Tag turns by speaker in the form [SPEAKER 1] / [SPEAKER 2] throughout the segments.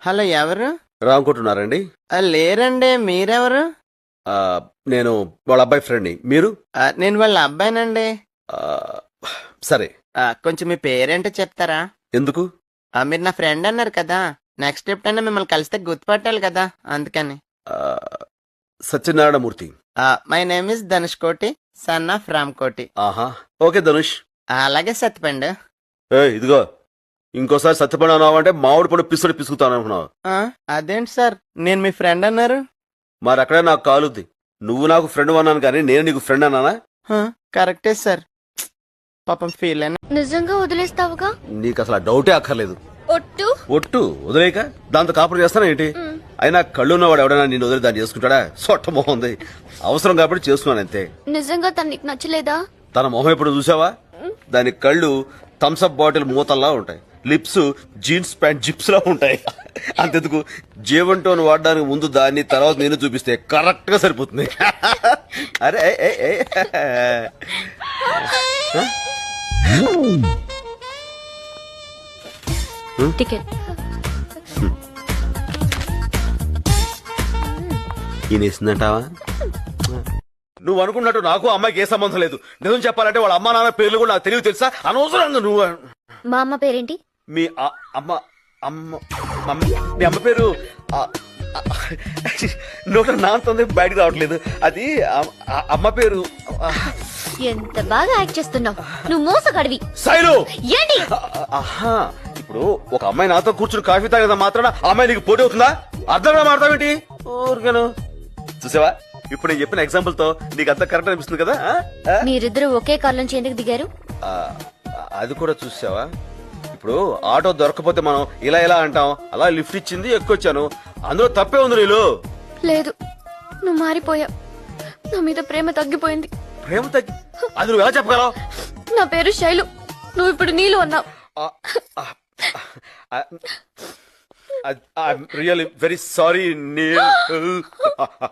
[SPEAKER 1] Hello, ఎవరు?
[SPEAKER 2] రామకుంటున్నారండి?
[SPEAKER 1] లేరండి. మీరెవరు?
[SPEAKER 2] నేను వాళ్ళ అబ్బాయి ఫ్రెండ్ని. మీరు?
[SPEAKER 1] నేను వాళ్ళ అబ్బాయినండి.
[SPEAKER 2] ఆ, సరే.
[SPEAKER 1] కొంచెం మీ పేరేంటో చెప్తారా?
[SPEAKER 2] ఎందుకు?
[SPEAKER 1] మీరు నా ఫ్రెండ్ అన్నారు కదా, నెక్స్ట్ ఎప్పుడైనా మిమ్మల్ని కలిస్తే గుర్తుపట్టాలి కదా, అందుకని.
[SPEAKER 2] ఆ, Satyanarayanamurthy.
[SPEAKER 1] My name is Dhanush Koti, son of Ram కోటి.
[SPEAKER 2] ఆహా, ఓకే ధనుష్.
[SPEAKER 1] అలాగే సత్యపండు.
[SPEAKER 2] ఇదిగో, ఇంకోసారి సత్యపడి అన్నావు అంటే మామిడి పడు పిసుడు పిసుకుతాను అనుకున్నావు.
[SPEAKER 1] అదేంటి సార్, నేను మీ ఫ్రెండ్ అన్నారు?
[SPEAKER 2] మరి అక్కడే నాకు కాలుద్ది. నువ్వు నాకు ఫ్రెండ్ అన్నాను కానీ నేను నీకు ఫ్రెండ్ అన్నానా?
[SPEAKER 1] కరెక్టే సార్. పాపం ఫీల్ అయినా.
[SPEAKER 3] నిజంగా వదిలేస్తావుగా?
[SPEAKER 2] నీకు అసలు ఆ డౌటే అక్కర్లేదు.
[SPEAKER 3] ఒట్టు
[SPEAKER 2] ఒట్టు వదిలేక దాంతో కాపురం చేస్తానా ఏంటి? అయినా కళ్ళు ఉన్నవాడు ఎవడైనా నేను వదిలి దాన్ని చేసుకుంటాడా? సొట్ట మొహం ఉంది. అవసరం కాబట్టి చేస్తున్నాను అంతే.
[SPEAKER 3] నిజంగా తను నీకు నచ్చలేదా?
[SPEAKER 2] తన మొహం ఎప్పుడు చూసావా? దాని కళ్ళు థమ్స్అప్ బాటిల్ మూతల్లా ఉంటాయి, లిప్స్ జీన్స్ ప్యాంట్ జిప్స్ లా ఉంటాయి. అంతెందుకు, జీవన్ టోన్ వాడడానికి ముందు దాన్ని, తర్వాత నేను చూపిస్తే కరెక్ట్ గా సరిపోతుంది. అరే
[SPEAKER 3] టికెట్.
[SPEAKER 2] ఈయనేసిందంటావా? నువ్వు అనుకున్నట్టు నాకు అమ్మాయికి ఏ సంబంధం లేదు. నిజం చెప్పాలంటే వాళ్ళ అమ్మా నాన్న పేర్లు కూడా నాకు తెలియదు, తెలుసా? అనవసరంగా నువ్వు.
[SPEAKER 3] మా అమ్మ పేరేంటి?
[SPEAKER 2] మీ అమ్మ మీ అమ్మ పేరు నోట నాంతుంది, బయటకు రావట్లేదు. అది అమ్మ పేరు.
[SPEAKER 3] ఎంత బాగా యాక్ట్ చేస్తున్నావు నువ్వు, మోసగాడివి.
[SPEAKER 2] శైలు
[SPEAKER 3] ఏంటి?
[SPEAKER 2] ఇప్పుడు ఒక అమ్మాయి నాతో కూర్చుని కాఫీ తాగేదా మాత్రాన ఆ అమ్మాయి నీకు పోటీ అవుతుందా? అర్థంగా మాడతావేంటి? ఊరికేను. చూసావా, ఇప్పుడు నేను చెప్పిన ఎగ్జాంపుల్ తో నీకు అంత కరెక్ట్ అనిపిస్తుంది కదా?
[SPEAKER 3] మీరిద్దరు ఒకే కార్ నుంచి ఎందుకు దిగారు?
[SPEAKER 2] అది కూడా చూసావా, ఇప్పుడు ఆటో దొరకపోతే మనం ఇలా ఇలా అంటాం, అలా లిఫ్ట్ ఇచ్చింది, ఎక్కువచ్చాను. అందులో తప్పే ఉంది. నీళ్ళు
[SPEAKER 3] లేదు, నువ్వు మారిపోయావు. నా మీద ప్రేమ తగ్గిపోయింది.
[SPEAKER 2] ప్రేమ తగ్గి అది నువ్వు ఎలా చెప్పగలవు?
[SPEAKER 3] నా పేరు శైలు, నువ్వు ఇప్పుడు నీళ్ళు అన్నావు.
[SPEAKER 2] I'm really very sorry Neel.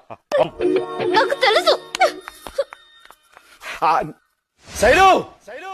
[SPEAKER 3] నాకు తెలుసు.
[SPEAKER 2] శైలు